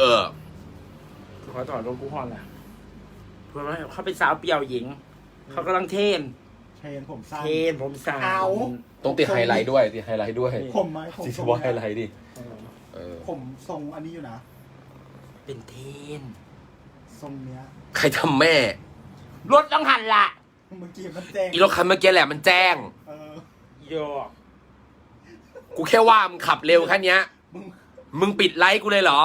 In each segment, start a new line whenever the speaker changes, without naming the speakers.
อ
ขอถอนรถกูฮอนแหละเพื่อว่าเขาเป็นสาวเปี่ยวหญิงเขากำลังเทรน
ผมสั้น
ผมสั้น
ต้องติดไฮไลท์ด้วยติดไฮไลท์ด้วย
ผมไหมผม
ติดว่าไฮไลท์ดิ
ผมทรงอันนี้อยู่นะ
เป็นเทรน
ทรงเนี้ย
ใครทำแม่
รถต้องหันละ
เมื่อกี้มันแจ้ง
อีรถคันเมื่อกี้แหละมันแจ้ง
โย
กูแค่ว่ามึงขับเร็วแค่นี้มึงปิดไลท์กูเลยเหรอ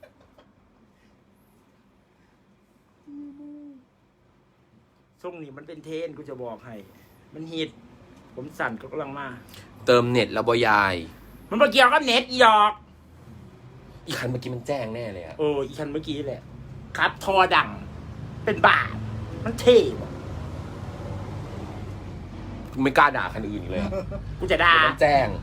ช่วงนี้มันเป็นเทรนกูจะบอกให้มันฮิตผมสั่นก็กำลังมา
เติมเน็ตแล้วบอยาย
มันมาเกี่ยวกับเน็ตหยอก
อีคันเมื่อกี้มันแจ้งแน่เลยอะ
อีคันเมื่อกี้แหละครับทอดังเป็นบาทมันเท่
กูไม่กล้าด่าคันอื่นอีกเลยอะ
กูจะด่า
มันแจ้ง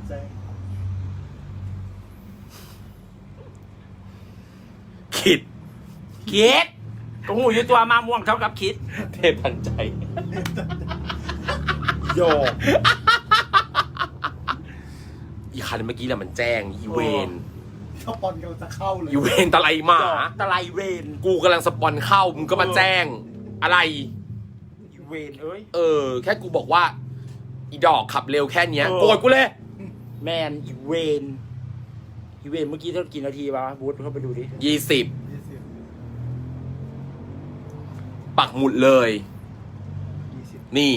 คิด
ก็หูอยู่ตัวมาม่วงเท่ากับคิด
เทพันใจ
โย
อีคันเมื่อกี้แหละมันแจ้งอีเวน
สปอนกำลังจะเข้าเลย
อีเวนตะไลหมา
ตะไลเวน
กูกำลังสปอนเข้ามึงก็มาแจ้งอะไร
อีเวน
แค่กูบอกว่าอีดอกขับเร็วแค่เนี้ยโกรธกูเลย
แมนอีเวนเมื่อกี้เท่ากี่นาทีวะบูธเข้าไปดูดิ
20ปักหมุดเลยนี่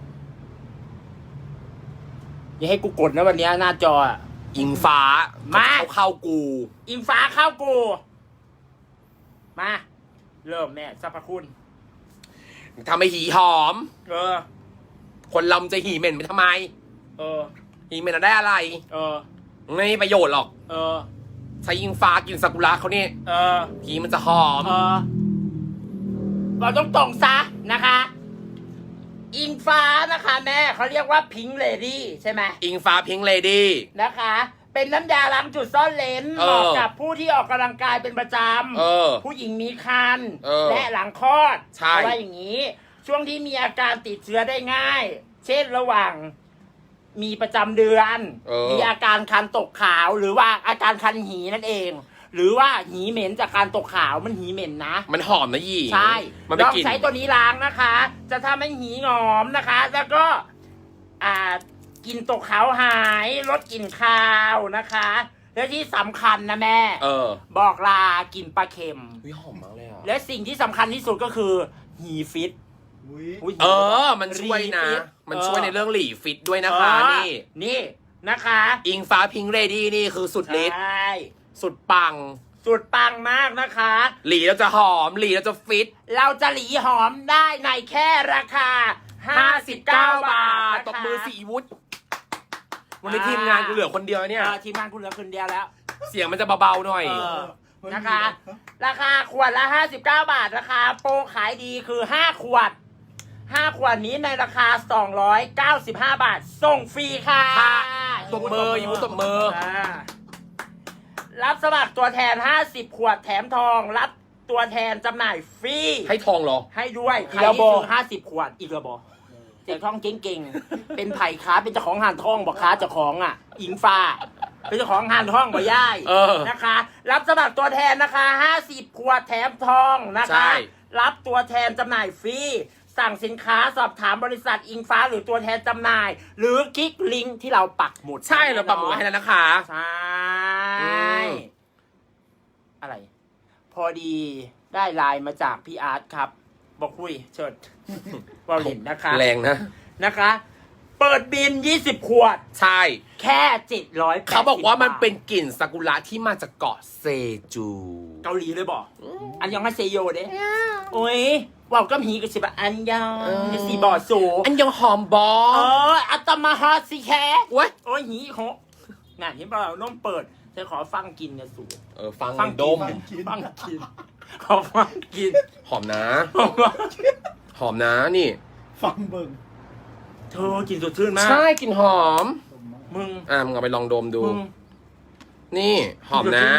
อย่าให้กูกดนะวันนี้หน้าจอ
อิงฟ้า
มา
เข้ากู
อิงฟ้าเข้ากูมาเริ่มแม่สรรพคุณ
ทำให้หีหอมคนเราจะหีเหม็นไปทำไมหีเหม็นได้อะไรไม่มีประโยชน์หรอกใช้อิงฟ้ากินซากุระเขาเนี่ยหีมันจะหอม
เราต้องตรงซะนะคะอิงฟ้านะคะแม่เขาเรียกว่าพิงค์เลดี้ใช่ไหม
อิงฟ้าพิงค์เลดี้
นะคะเป็นน้ำยาล้างจุดซ่อนเลนเหมาะกับผู้ที่ออกกำลังกายเป็นประจำผู้หญิงมีครรภ์และหลังคลอดเพราะว่าอย่างนี้ช่วงที่มีอาการติดเชื้อได้ง่ายเช่นระหว่างมีประจำเดือนมีอาการคันตกขาวหรือว่าอาการคันหีนั่นเองหรือว่าหีเหม็นจากการตกขาวมันหีเหม็นนะ
มันหอมนะยี่
ใช่ลองใช้ตัวนี้ล้างนะคะจะทำให้หีหอมนะคะแล้วก็กลิ่นตกขาวหายลดกลิ่นคาวนะคะและที่สำคัญนะแม่บอกลากลิ่นปลาเค็ม
หอมมากเลยอ่ะ
และสิ่งที่สำคัญที่สุดก็คือหีฟิต
มันช่วยนะมันช่วยในเรื่องหลีฟิตด้วยนะคะ
นี่นะคะ
อิงฟ้าพิงค์เลดี้นี่คือสุดฤทธิ์สุดปัง
มากนะคะ
หลีเราจะหอมหลีเราจะฟิต
เราจะหลีหอมได้ในแค่ราคา59 บาท
ตบมือสีวุฒิวันนี้ทีมงานกูเหลือคนเดียวเนี่ย
ทีมงานกูเหลือคนเดียวแล้ว
เสียงมันจะเบาๆหน่อย
นะคะราคาขวดละ59 บาทราคาโปรขายดีคือ5 ขวดนี้ในราคา295 บาทส่งฟรีค่ะ
ตบมืออยู่ตบมือ
รับสมัครตัวแทน50 ขวดแถมทองรับตัวแทนจำหน่ายฟรี
ให้ทองเหรอ
ให้ด้วยใครที่ซื้อ50 ขวดอีกระบอแจกทองเก่งๆเป็นไผ่ค้าเป็นเจ้าของห่านทองบอกค้าเจ้าของอิงฟ้าเป็นเจ้าของห่านทองบ่ย่ายนะคะรับสมัครตัวแทนนะคะ50 ขวดแถมทองนะคะรับตัวแทนจำหน่ายฟรีสั่งสินค้าสอบถามบริษัทอิงฟ้าหรือตัวแทนจำหน่ายหรือคลิกลิงก์ที่เราปักหมุด
ใช่เราปักหมุดให้แล้วนะคะ
ใช่อะไรพอดีได้ไลน์มาจากพี่อาร์ตครับบอกคุยเชิญว่าเห็นนะคะ
แรง
นะคะเปิดบิน20 ขวด
ใช่
แค่700
เขาบอกว่ามันเป็นกลิ่นซากุระที่มาจากเกาะเซจู
เกาหลีเลยบอกอันยองฮาเซโยเด้โอ้ยว่าวก็มีกับสิบอันยองจะสีบ่อสู
อันยองหอมบอ
อัตมาฮอสิแค่โอ้ยหีโหงานที่เราน้มเปิดจะขอฟังกินเนี่ยสู
ฟังดม
ฟังกินขอฟังกิน
หอมนะนี่
ฟังเบิ่ง
เธอกินสดชื่นมาก
ใช่กินหอม
มึง
เอาไปลองดมดูนี่หอมนะ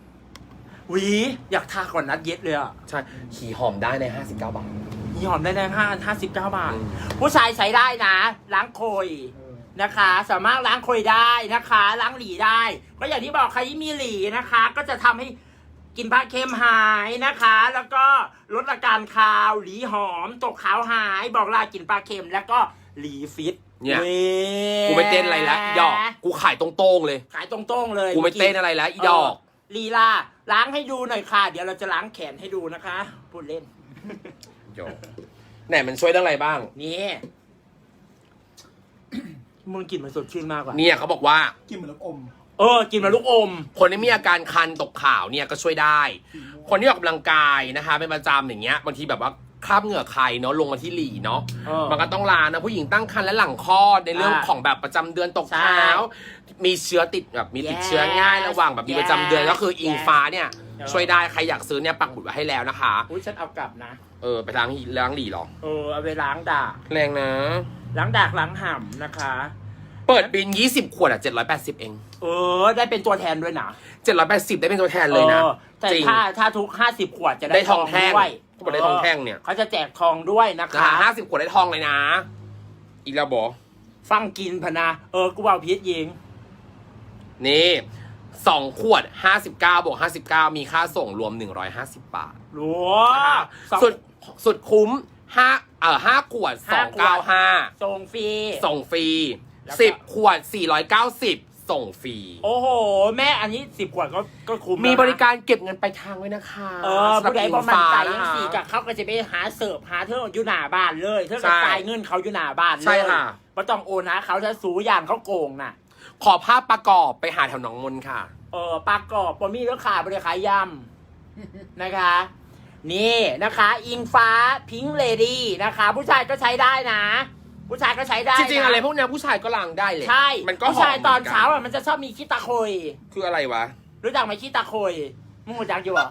อยากทาก่อนนัดเย็ดเลย
ใช่หีหอมได้ใน59 บาท
หีหอมได้ใน59 บาทผู้ชายใช้ได้นะล้างโคยนะคะสามารถล้างโคยได้นะคะล้างหลีได้ก็อย่างที่บอกใครที่มีหลีนะคะก็จะทำให้กินผ้าเค็มหายนะคะ แล้วก็ลดอาการคาวหลีหอมตกขาวหายบอกลากินปลาเค็มแล้วก็หลีฟิต
เนี่ยกูไม่เต้นอะไรแล้วอีดอกกูขายตรงๆเลย
ขายตรงๆเลย
กูไม่เต้นอะไรแล้วอีดอก
ลีลาล้างให้ดูหน่อยค่ะ เดี๋ยวเราจะล้างแขนให้ดูนะคะพูดเล่น
โยไหนมันช่วยเรื่องอะไรบ้าง
นี่มึงกลิ่นมันสดชื่นมากกว่า
เนี่ยเขาบอกว่า
กินเหมือนลูกอม
กินมาลูกอม
คนที่มีอาการคันตกขาวเนี่ยก็ช่วยได้ คนที่ออกกำลังกายนะคะเป็นประจำอย่างเงี้ยบางทีแบบว่าคราบเหงื่อใครเนาะลงมาที่หลีเนาะมันก็ต้องล้างนะผู้หญิงตั้งครรภ์และหลังคลอดในเรื่องของแบบประจำเดือนตกขาวมีเชื้อติดแบบมีติดเชื้อง่ายระหว่างแบบมีประจำเดือนก็คืออิงฟ้าเนี่ยช่วยได้ใครอยากซื้อเนี่ยปักหมุดไว้ให้แล้วนะคะ
อุ้ยฉันเอากลับนะ
ไปล้างหลีหรอ
เอาไปล้างดาก
แรงนะ
ล้างดากล้างห่ำนะคะ
เปิดบิน20ขวดอ่ะ780เอง
ได้เป็นตัวแทนด้วยนะ
780ได้เป็นตัวแทนเลยนะ
แต่ถ้าทุก50ขวดจะได้
ทองแท่ง
ด้วย
เขาบอกได้ทองแท่งเนี่ย
เขาจะแจกทองด้วยนะคะ
50ขวดได้ทองเลยนะ อีกแล้วบอ
ฟังกินพนะกูเอาพีชยิง
นี่2ขวด59บวก59มีค่าส่งรวม150 บาทสุดคุ้ม5ขวด295
ส่งฟรี
10ขวด490ส่งฟรี
โอ้โหแม่อันนี้10ขวดก็คุ้ม
มีบริการเก็บเงินไปทางไว้นะคะ
ผู้ใดบอกมันใจยังสี่กับเขาก็จะไปหาเสิร์ฟหาเธออยู่หน้าบ้านเลยเธอก็จ่ายเงินเขาอยู่หน้าบ้านเลย
ใช่ค่ะ
ไม่ต้องโอนนะเขาจะสูอย่างเขาโกงน่ะ
ขอภาพประกอบไปหาแถวหนองมนค่ะ
ประกอบปมีแล้วขายบริขายยำนะคะนี่นะคะอิงฟ้าพิงค์เลดี้นะคะผู้ชายก็ใช้ได้นะผู้ชายก็ใช้ได้
จริงๆอะไรพวกนี้ผู้ชายก็ล้างได้เลย
ใช่
มันก็
ผู้ชายตอนเช้ามันจะชอบมีขี้ตะโคย
คืออะไรวะ
รู้จักไหมขี้ตะโคยมึงรู้จักอยู่เหรอ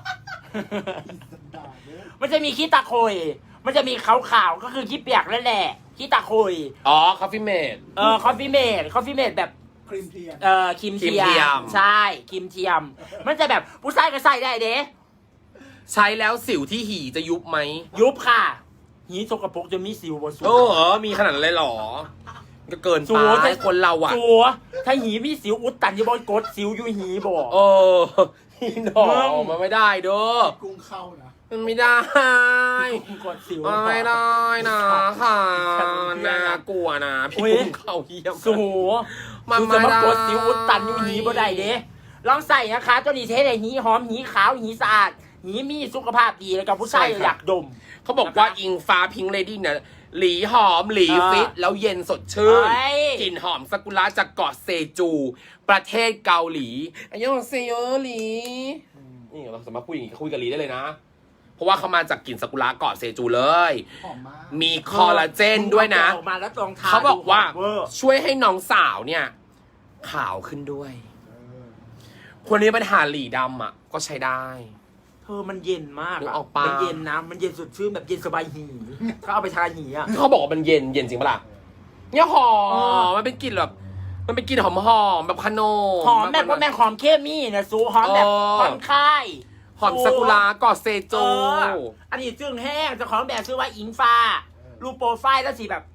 มันจะมีขี้ตะโคยมันจะมีขาวๆก็คือขี้เปียกนั่นแหละขี้ตะโคย
คอฟฟี่เมด
คอฟฟี่เมดแบบ
ครีมเทียม
ครีมเทียมใช่ครีมเทียมมันจะแบบผู้ชายก็ใส่ได้เด้
ใช้แล้วสิวที่หีจะยุบไหม
ยุบค่ะหีสกปรกจะมีสิวบนสูง
มีขนาดอะไรหรอก็เกินไปคนเราอะ
สัวถ้าหีมีสิวอุดตันอยู่บนกดสิวอยู่หีบอก
หีหนอมันไม่ได้เด้อ
กุ้งเข้านะ
มันไม่ได้
กดสิว
ไม่ได้นะค่ะน่ากลัวนะพี่กุ้งเข้าเยี่ยม
สัวมันจะมากดสิวอุดตันอยู่หีบ่ได้เด้ลองใส่นะคะตัวนี้เทได้หีหอมหีขาวหีสะอาดหีมีสุขภาพดีแล้วกับผู้ชายอยากดม
เขาบอกว่าอิงฟ้าพิงค์เลดี้เนี่ยหลีหอมหลีฟิตแล้วเย็นสดชื่นกลิ่นหอมซากุระจากเกาะเซจูประเทศเกาหลีอันยองเซโยหลีนี่เราสามารถพูดอย่างนี้คุยกับหลีได้เลยนะเพราะว่าเขามาจากกลิ่นซากุระเกาะเซจูเลยมีคอลลาเจนด้วยนะเขาบอกว่าช่วยให้น้องสาวเนี่ยขาวขึ้นด้วยคนนี้ปัญหาหลีดำอ่ะก็ใช้ได้
มันเย็นมากอ่ะมันเย็นนะมันเย็นสดชื่นแบบเย็นสบายหีเขาเอาไปทาหีอ่ะ
เขาบอกว่ามันเย็นจริงปะล่ะเนี่ยหอมมันเป็นกลิ่นแบบมันเป็นกลิ่นหอมแบบคาโน
หอมแบบว่าแม่หอมเคมีนะซูหอมแบบผ่อนคลาย
หอมซากุระเกาะเซจู
อันนี้จึงแห้งเจ้าของแบบชื่อว่าอิงฟ้ารูปโปรไฟล์แล้วสิแบบ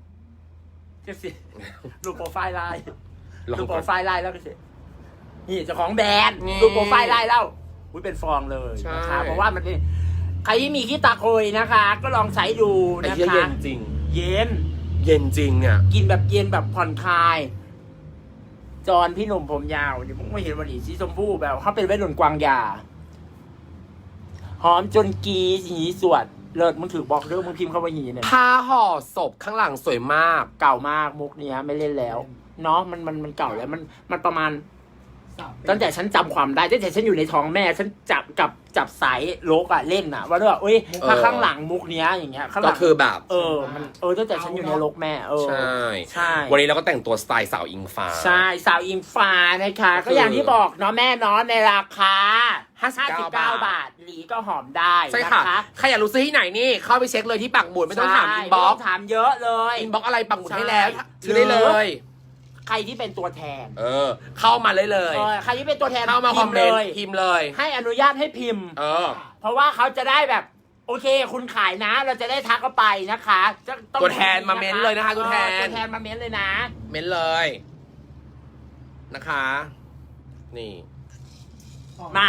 รูปโปรไฟล์ไลน์รูปโปรไฟล์ไลน์แล้วก็สินี่เจ้าของแบรนด์รูปโปรไฟล์ไลน์แล้วเป็นฟองเลยนะคะเพราะว่ามันเป็นใครที่มีขี้ตาโคยนะคะ ก็ลองใช้ดูนะคะ
เย็นจริง
เย็น
จริงเนี่ย
กินแบบเย็นแบบผ่อนคลายจอนพี่หนุ่มผมยาวเดี๋ยวมึงไม่เห็นวันนี้สีชมพูแบบเขาเป็นวัยรุ่นกวางยาหอมจนกีหีสวดเลิศมึงถือบอกเรื่องมึงพิมพ์เข้าไปหีเนี่ย
ผ้าห่อศพข้างหลังสวยมาก
เก่ามากมุกเนี้ยไม่เล่นแล้วเนาะมันเก่าแล้วมันประมาณตั้งแต่ฉันจำความได้ตั้งแต่ฉันอยู่ในท้องแม่ฉันจับสายโลกอะเล่นอะว่าด้วยถ้าข้างหลังมุกเนี้ยอย่างเงี้ย
ก็คือแบบ
มันตั้งแต่ฉันอยู่ในโลกแม่ใช่
วันนี้เราก็แต่งตัวสไตล์สาวอิงฟ้า
ใช่สาวอิงฟ้านะคะก็อย่างที่บอกเนาะแม่เนาะในราคา59 บาทหลีก็หอมได้
ใช่ค่ะใครอยากรู้ซื้อที่ไหนนี่เข้าไปเช็คเลยที่ปักหมุดไม่ต้องถามอินบ็อกซ์
ถามเยอะเลย
อินบ็อกซ์อะไรปักหมุดให้แล้วซื้อได้เลย
ใครที่เป็นตัวแทน
เข้ามาเลย
ใครที่เป็นตัวแทน
เข้ามาคอมเมนต์พิมพ์เลย
ให้อนุญาตให้พิมพ์เพราะว่าเขาจะได้แบบโอเคคุณขายนะเราจะได้ทักเข้าไปนะคะ
ตัวแทนมาเม้นเลยนะคะตัวแท
นมาเม้นเลยนะ
เม้นเลยนะคะนี่
มา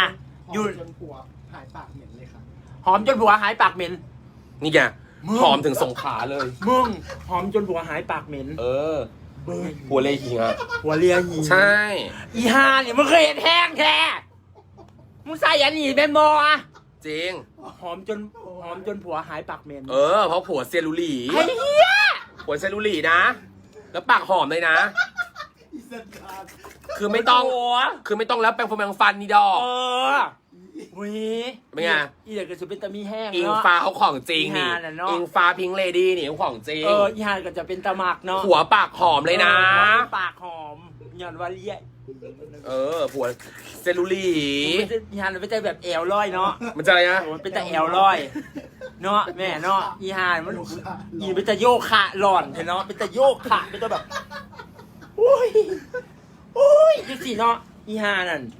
อยู่
จนผัวหายปากเหม็นเลยค่ะ
หอมจนผัวหายปากเหม็น
นี่ไง
มึง
หอมถึงสงขลาเลย
มึงหอมจนผัวหายปากเหม็น
เออหัวเลยหิงอ่ะ
หัวเรียหี
ใช่
อีห่าเนี่ยมึงเคยเห็นแห้งแท้มึงใส่ยันหนีเป็นโมอ่ะ
จริง
หอมจนผัวหายปากเหม็น
เออเพราะผัวเซยรูหลี
ไอ้เหี้ย
ผัวเซยรูหลีนะ แล้วปากหอมเลยนะ
อีสันดาน
คือไม่ต้อง
ผัว
คือไม่ต้องแล้วแปรงฟันแปรงฟันนี่ดอก
เออวิ
เป็นไง
อีเด็กก็จะเป็นตะมีแห้ง
อิง
เนาะ
ฟ้าเขาของจริงนี่
อีห่าน่ะเนอะ
อิงฟ้าพิงเลดี้นี่เขาของจริง
อีห่าก็จะเป็นตะหมักเนาะ
หัวปากหอมเลยนะ
ปากหอมหย่อนว่าเลี้ย
เออผัวเซยรูหลี
อีห่ามันเป็นแต่แบบแอวลอยเนาะ
มันจะอะไรนะ
โอ้ยเป็นแต่แอวลอยเนาะแม่เนาะอีห่ามันอีเป็นแต่โยคะหล่อนเห็นเนาะเป็นแต่โยคะเป็นแต่แบบโอ้ยโอ้ยจังสิเนาะอีห่านั่น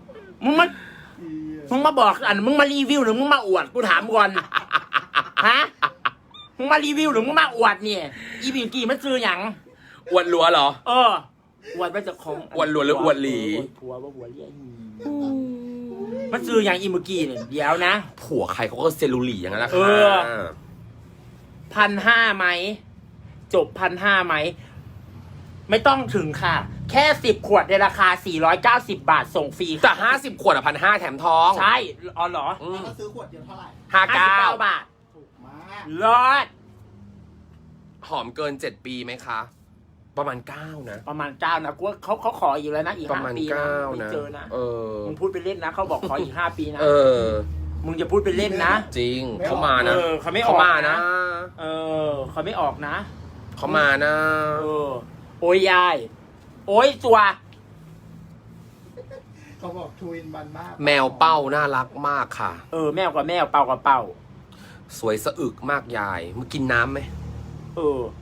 มึงมาบอกอันมึงมารีวิวหรือมึงมาอวดกูถามก่อนฮะมึงมารีวิวหรือมึงมาอวดเนี่ยอีบิวกี้มันซื้อหยัง
อวดรัวเหรอ
เอออวดมาจากของ
อวดหลวนหรืออวดหลี
ผัวว่าหัวเลี้ยหีมันซื้ออย่างอีเมื่อกี้เนี่ยเดี๋ยวนะ
ผัวใครเขาก็เซยรูหลีอย่างนั้นแหละ
เอ
ค่ะ
อ 1,500ไหมจบ 1,500ไหมไม่ต้องถึงค่ะ แค่10 ขวดในราคา490 บาทส่งฟรี
แต่50 ขวดอ่ะ1,500แถมทอง
ใช่อ๋อเหรอ
อืม
แล้วก็ซื้อขวดเดียวเท่าไหร่
59 บาท
ถูกมาก
รอด
หอมเกิน7 ปีไหมคะ ประมาณ9นะ
ประมาณ9นะกูว่าเขาขออีกแล้วนะอีก
ประมาณ
5 ปีนะ
9
ไม่
นะ
เจอนะ
เออ
มึงพูดไปเล่นนะเขาบอกขออีก5 ปีนะ
เออ
มึงจะพูดไปเล่นนะ
จริงเขามานะ
เออเขาไม่ออก
เขามานะ
เออเขาไม่ออกนะ
เขามานะ
เออโอ้ยยาย โอ้ยตัว
เขาบอกทูอินบันมาก
แมวเป้าน่ารักมากค่ะ
เออแมวกับแมวเป่ากับเป่า
สวยสะอึกมากยายมึงกินน้ำไหม
เออ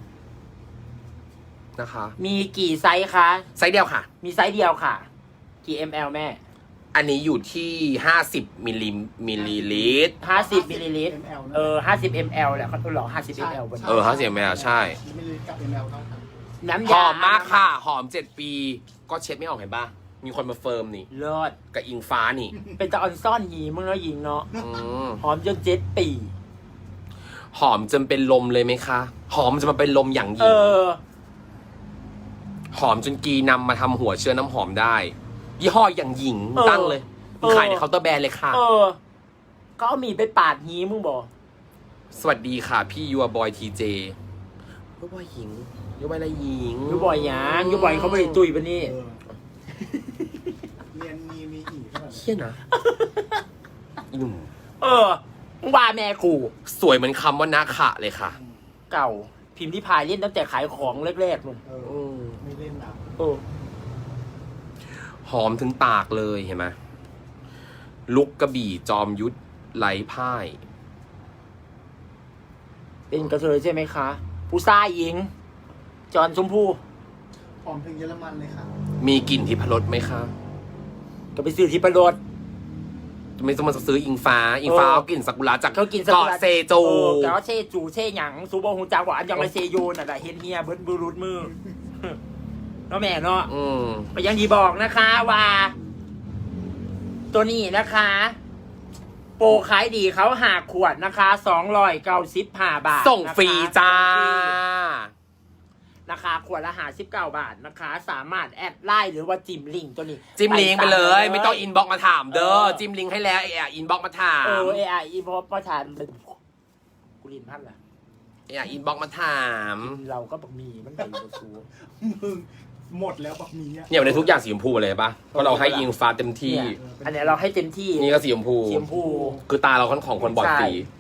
นะคะ
มีกี่ไซส์คะ
ไซส์เดียวค่ะ
มีไซส์เดียวค่ะ กี่ ml แม่
อันนี้อยู่ที่50มิลลิลิตร
50 มิลลิลิตร
ML นะ
เออ50 ml แหละเขาหรอ50 ml บน
เออ50มิลลิลิตรใช่
มิลลิลิตรกับ ML เท่ากัน
น้ำ
ห
ยา
อมมากค่ะ หอม7 ปี ก็เช็ดไม่ออกเห็นปะมีคนมาเฟิร์มนี่
เลิศ
กับอิงฟ้านี่
เป็นตะออนซ่อนหีมึงแล้วหญิงเนาะ
อืม
หอมจน7 ปี
หอมจนเป็นลมเลยไหมคะ หอมจะมาเป็นลมอย่างห
เอ
ญิง
อ
หอมจนกีนำมาทำหัวเชื้อน้ำหอมได้ ยี่ห้ออย่างหญิง
เออ
ตั้งเลย
เออ
ขายในเคาน์เตอร์แบรนด์เลยค่ะ
เออก็เอามีดไปปาดหีมึงบอก
สวัสดีค่ะ พี่ยูบอยทีเจยูบอยหญิงยูบอยอะไรหญิง
ยูบ่อยหยังยูบ่อยเขาไม่ได้ตุยปะนี่
เออเรียนมีอีกขนาด
เฮี้ยนะอีหนุ่ม
เออมึงว่าแม่กู
สวยเหมือนคำว่านาขะเลยค่ะ
เก่า พิมพ์ที่พายเล่นตั้งแต่ขายของแรกๆนู่น
เออไม่เล่นนะ
เออ
หอมถึงปากเลยเห็นไหมลุกกระบี่จอมยุทธไหลพ่าย
เป็นกระเทยใช่ไหมคะ ผู้ชายหญิง จอนชมพู่
หอมถึงเยอรมันเลยค่ะ
มีกลิ่นทิพรสไหมคะ
ก็ไปซื้อที่ประโดด
ไม่ต้องมาซื้ออิงฟ้า อิงฟ้า
เออ
เอากลิ่นซากุระจาก
เขากินซากุระ
เกาะเซจู
เกาะเซจูเซหยังซูโบฮูจักว่าอันยังไรเซโยน่ะแหละเฮนเฮียเบิร์ดบูรูดมือ เนาะแม่เนาะ
อืม
ไปยังดีบอกนะคะว่า ตัวนี้นะคะ โปรขายดีเขาหาขวดนะคะ295 บาท
ส่งฟรีจ้า
นะคะขวดละ59 บาทนะคะ สามารถแอดไลน์หรือว่าจิ้มลิงก์ตัวนี้
จิ้มลิงก์ไปเลย ไม่ต้องอินบ็อกมาถามเด้อ
เออ
จิ้มลิงก์ให้แล้วอินบ็อกมาถาม
เอไออีพอประธานเป็นกูลินพันล่ะ
อินบ็อกมาถาม
เราก็บอกมีมันไปอยู่สู
มึงหมดแล้วแบบนี้
เนี่ยวันนี้ทุกอย่างสีชมพูเลยปะเพราะเราให้อิงฟ้าเต็มที่
เนี่ยอันเนี้ยเราให้เต็มที่
นี่ก็สีชมพู
สีชมพู
คือตาเราค่อนของคนบอดสี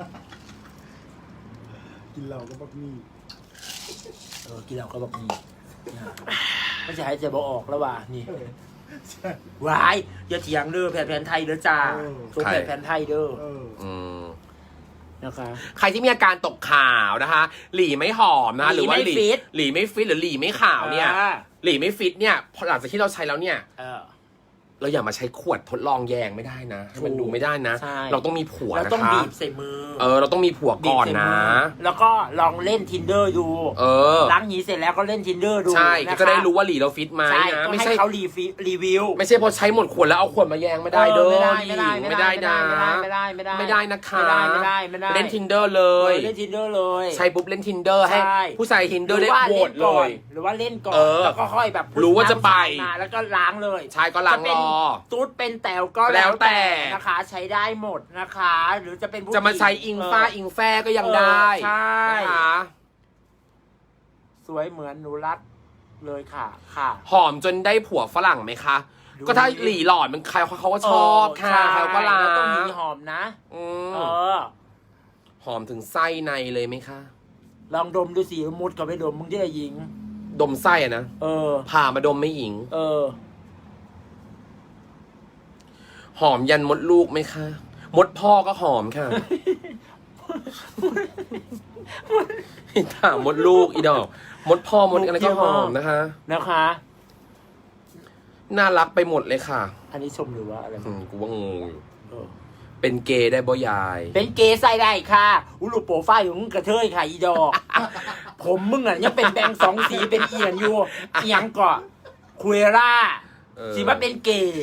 กินเราก็แบบนี้
กินเราก็บอกมีไม่ใช่ให้เจะบอกออกแล้วว่ะนี่
เออใช่
วายอย่าเถียงเด้อแผนไทยเด้อจ้า
เออ
ส่งแผนไทยเด้อ
เออ
อืม
นะคะ
ใครที่มีอาการตกขาวนะคะ หลีไม่หอมนะคะหรือว่าหลีไม่ฟิตหรือหลีไม่ขาวเนี่ย หลีไม่ฟิตเนี่ยพอหลังจากที่เราใช้แล้วเนี่ย
เออ
เราอย่ามาใช้ขวดทดลองแยงไม่ได้นะให้มันดูไม่ได้นะ
ใช่
เราต้องมีผัว
เรา
นะคะ
ต้องบีบใส่มือ
เราต้องมีผัวก่อนนะ
แล้วก็ลองเล่น tinder ดู ล้างหีเสร็จแล้วก็เล่น tinder ดู
ใช่
นะคะ
ก็จะได้รู้ว่าหลีเราฟิตไหม
ใช่
นะ
ก็
ไม่
ให้
ใช่
เขารีวิว
ไม่ใช่พอใช้หมดขวดแล้วเอาขวดมาแยงไม่ได้เด้อ
ไม่ได้
หลี
ไม่ได้
ไม่ได้นะ
ไม่ได้ไม่ได้
ไม่ได้นะคะ
ไม่ได้
เล่น Tinder เลย
เล่น tinder เลย
ใช้ปุ๊บเล่น Tinder ให้
ใช่
ผู้ชาย Tinder ได้โหวตเลย
หรือว่าเล่นก่อน
แล้ว
ก็ค่อยแบบ
รู้ว่าจะไป
มาแล้วก็ล้างเลย
ชายก็ล้าง
จะเป็น
รอ
ตูดเป็นแต๋วก็
แล้วแต่
นะคะ ใช้ได้หมดนะคะ หรือจะเป็นผู้
จะมาใช้อิงฟ้า
เ
อิงแฟก็ยังได้
ใช่
นะคะ
สวยเหมือนหนูรัดเลยค่ะค่ะ
หอมจนได้ผัวฝรั่งไหมคะ
ดู
ก็ถ้าหลีหลอดมันใครเขาก็ชอบค่ะ
ใช่
ใครก็รัก
แล้วต้องมีหอมนะ
อืม
เออ
หอมถึงไส้ในเลยไหมคะ
ลองดมดูสิมุดกับไปดมมึงจะได้ยิง
ดมไส้อะนะ
เออ
ผ่ามาดมไม่อิง
เออ
หอมยันมดลูกไหมคะ มดพ่อก็หอมค่ะถามมดลูกอีดอก มดพ่อมดอะไรก็หอมนะคะ
นะคะ
น่ารักไปหมดเลยค่ะ
อันนี้ชมหรือว่าอะไร
กูว่างงอยู่
เออ
เป็นเกย์ได้บ่ยาย
เป็นเกย์ใส่ได้ค่ะอุลุโปรไฟล์ของมึงกระเทยค่ะอีดอก ผมมึงอ่ะยังเป็นแบงค์สองสีเป็นเอียนอยู่เอียงก่อนคุยร่า สิว่าเป็นเกย์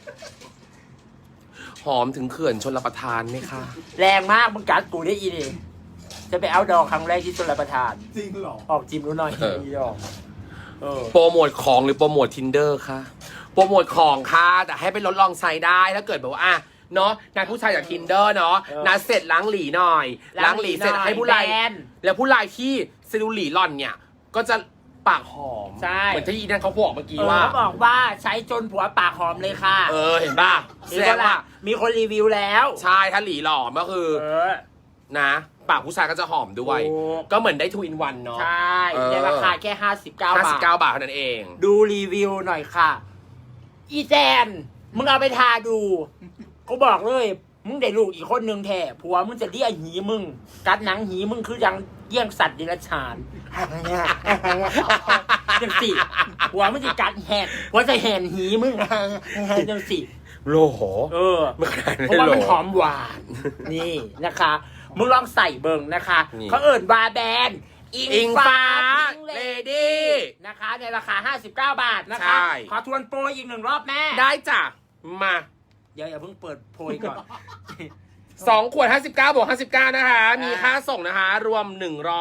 หอมถึงเขื่อนชลประทานไหมคะ
แรงมากมึงกัดกูได้อีนี่จะไปเอาดอกครั้งแรกที่ชลประทาน
จริงเหรอ
ออกจิมรู้หน่อยอีดอกเออ
โปรโมทของหรือโปรโมท Tinder คะโปรโมทของค่ะแต่ให้ไปลดลองใช้ได้ถ้าเกิดแบบว่าอ่ะเนาะนายผู้ชายจาก Tinder เนาะนัดเสร็จล้างหลีหน่อยล้างหลีเสร็จให้ผู้ไลน์
แบน
แล้วผู้ไลน์ที่เซลลูหลีหล่อนเนี่ย ก็จะปากหอม
ใช่
เหมือนที่อีนั่นเขาบอกเมื่อกี้
เออ
ว่า
เขาบอกว่าใช้จนผัวปากหอมเลยค่ะ
เห็นป่ะแสดงว่า
มีคนรีวิวแล้ว
ใช่ถ้าหลีหล่อก็คือ
เออ
นะปากผู้ชายก็จะหอมด้วย
ถูก
ก็เหมือนได้2 in 1เนาะ
ใช่
เออ
ในราคาแค่59 บาท
59 บาทเท่านั้นเอง
ดูรีวิวหน่อยค่ะ อีแจนมึงเอาไปทาดูกูบอกเลย มึงได้ลูกอีกคนนึงแท้ผัวมึงจะเลี้ยหีมึง กัดหนังหีมึงคือยังเยี่ยงสัตว์เดรัจฉานจังสิผัวมึงจะกัดแหกผัวจะแหนหีมึงจังสิ
โลโห
เออ
ไม่ขนาดนั้น
เพราะว่า
โล
มันหอมหวาน นี่นะคะ มึงลองใส่เบิงนะคะ
นี่
เขาเอิ่นบาแบน
อิงฟ้า
พิง
เลดี้
นะคะ ในราคา 59 บาทนะคะ
ใช่
ขอทวนโปรอีกหนึ่งรอบแม่
ได้จ้ะมา
เดี๋ยวอย่าเพิ่งเปิดโพยก่อน
2 ขวด 59 บวก 59 นะคะ มีค่าส่งนะคะ รวม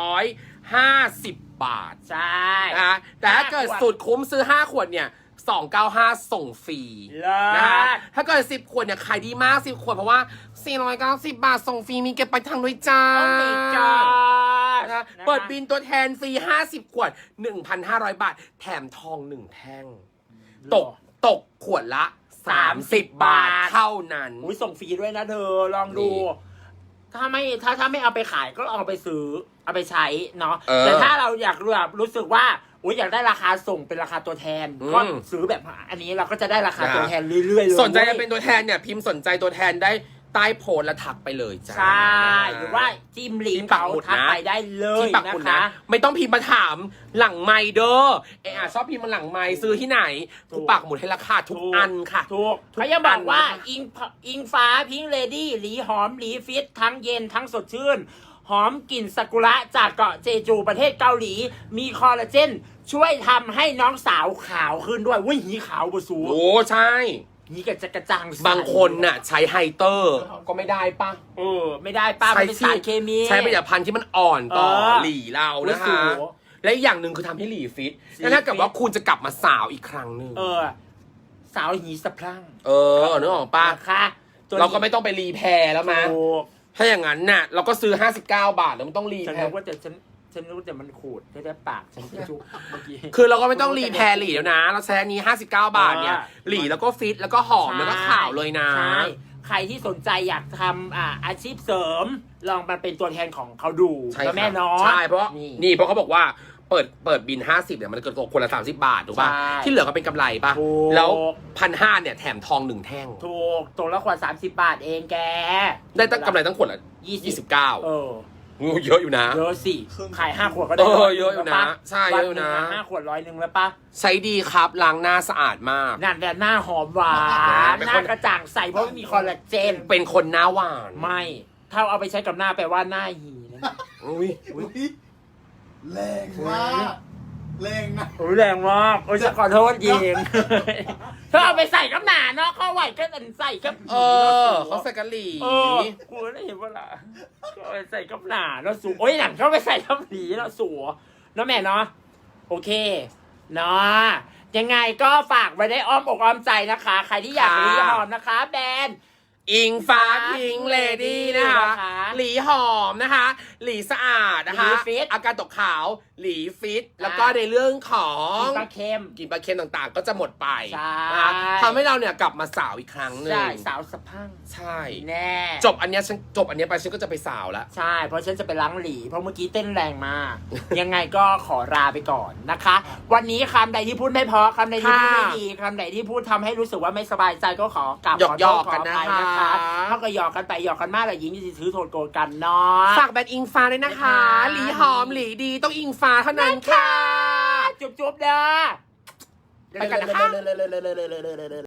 150 บาท
ใช่
นะคะแต่ถ้าเกิดสุดคุ้มซื้อ 5 ขวดเนี่ย 295 ส่งฟรี
เลิ
นะคะ
ศ
ถ้าเกิด10 ขวดเนี่ยขายดีมาก 10 ขวดเพราะว่า 490 บาท ส่งฟรีมีเก็บไปลายทางด้วยจ้า
โอ้ my god
นะคะเปิดบินตัวแทนฟรี 50 ขวด 1,500 บาท แถมทอง 1 แท่ง ตกขวดละ 30 บาทเท่านั้น
อุ้ยส่งฟรีด้วยนะเธอ ลองดู
นี่
ถ้าไม่เอาไปขายก็เอาไปซื้อ เอาไปใช้เนาะ
เออ
แต่ถ้าเราอยากรู้สึกว่าอุ้ยอยากได้ราคาส่งเป็นราคาตัวแทน ก็ซื้อแบบอันนี้เราก็จะได้ราคาตัวแทนเรื่อยๆเลย
สนใจจะเป็นตัวแทนเนี่ย พิมพ์สนใจตัวแทนได้ใต้โพสต์และทักไปเลยจ้า
ใช่ หรือว่าจิ้มลิงก์เขาทักไปได้เล
ที่
ย
ปักห
นะ
มุด
คะ
นะ ไม่ต้องพิมพ์มาถามหลังไมค์เด้อชอบพิมพ์มาหลังไมค์ซื้อที่ไหนกูปักหมุดให้ราคาทุกอันค่ะ
ถูกเขายังบอกว่าอิงฟ้าพิงเลดี้หลีหอมหลีฟิตทั้งเย็นทั้งสดชื่น หอมกลิ่นซากุระจากเกาะเจจูประเทศเกาหลี มีคอลลาเจนช่วยทำให้น้องสาวขาวขึ้นด้วยวุ้ยหีขาวบสู
โอ้ใช่
หีกระจะกระจ่างใส
บางคนน่ะใช้ไฮเตอร์ก็ไม่ได้ปะ
ไม่ได้ป้ามันเป็นสารเคมี
ใช้ผลิตภัณฑ์ที่มันอ่อนต่อ
เออ
หลีเรานะ
โอ้
คะ
โห
และอีกอย่างหนึ่งคือทำให้หลีฟิต
หลี
แล้วถ้าเกิด
ฟิต
ว่าคุณจะกลับมาสาวอีกครั้งหนึ่ง
สาวหีสะพรั่ง
นึกออกปะ
นะคะตัวนี้
เราก็ไม่ต้องไปรีแพร์แล้วมั้ย
ถูก
ถ้าอย่างนั้นน่ะเราก็ซื้อ59 บาทแล้วมันต้องรี
ฉัน
แพ
นึ
ร์
กว่าฉันรู้แต่มันขูดได้ปากฉันจะจุกเมื่อกี้
คือเราก็ไม่ต้องรีแพร์หลีแล้วนะ เราใช้อันนี้59 บาทเนี่ยหลีแล้วก็ฟิตแล้วก็หอมแล้วก็ขาวเลยนะ
ใช่ใครที่สนใจอยากทำอาชีพเสริม ลองมาเป็นตัวแทนของเขาดู
ใช่
แล้วแม่
ครับ
น้อง
ใช่เพราะเพราะเขาบอกว่าเปิดบิน50เนี่ยมันเกิดตกคนละ30 บาทถูกป่ะ
ใช่
ที่เหลือก็เป็นกำไรป่ะ
ถูก
แล้ว1,500เนี่ยแถมทอง1 แท่ง
ถูกตัวละขวด30 บาทเองแก
ได้ตั้งกำไรตั้งขวดละ29
เออ
งูเยอะอยู่นะ
เยอะสิขาย5 ขวดก็ได้
เยอะอยู่นะใช่เยอะอยู่นะ
5 ขวด100แล้วปะ
ใช้ดีครับล้างหน้าสะอาดมาก
นั่นแหละหน้าหอมหวาน
เป็น
ห
คน
น้ากระจ่างใสเพราะไม่มีคอลลาเจน
เป็นคนหน้าหวาน
ไม่ถ้าเอาไปใช้กับหน้าแปลว่าหน้าหีนะ
อุ้ย
อุ๊ยแรงมากแรงนะ
โอ้ยแรงมากโอ้ยจะขอโทษยิงถ้าเอาไปใส่กับหนาเนาะเข้าไหวก็ใส่กับ
เขาใส่กะหรี่
กูได้เห็นว่าล่ะก็เอาไปใส่กับหนาแล้วสูโอ้ยหนังเขาไปใส่กับหนีแล้วสัวเนาะแม่เนาะโอเคเนาะยังไงก็ฝากไว้ได้อ้อมอกอ้อมใจนะคะ ใครที่อยากรีหอมนะคะแบรนด์
อิงฟ้าพิงเลดี้นะคะ
นะคะ
หลีหอมนะคะ หลีสะอาดนะคะ
หลีฟิต
อาการตกขาว หลีฟิต แล้วก็ในเรื่องของ
ปลาเค็ม
กลิ่นปลาเค็มต่างๆ ก็จะหมดไป
ใช่
นะคะทำให้เราเนี่ยกลับมาสาวอีกครั้งหนึ่ง
ใช่สาวสะพัง
ใช่
แน่
จบอันเนี้ยไปฉันก็จะไปสาวแล้ว
ใช่เพราะฉันจะไปล้างหลีเพราะเมื่อกี้เต้นแรงมาก ยังไงก็ขอลาไปก่อนนะคะ วันนี้คำใดที่พูดไม่เพราะคำใดที่พูดไม่ดีคำใดที่พูดทำให้รู้สึกว่าไม่สบายใจก็ขอกราบขอโท
หยอ
ษ
ก
ข
ๆ
อ
กัน
อ
นะ
ภัยนะคะ
คะ
เขาก็หยอกกันไปหยอกกันมากแต่ยิงจะถือโทษโกรธกันเนาะ
ฝากแบรนด์อิงฟ้าด้วยนะคะ
นะคะ
หลีหอมหลีดีต้องอิงฟ้าเท่านั้นค่ะ
จุ๊บๆเด้อ
ไปกันนะคะ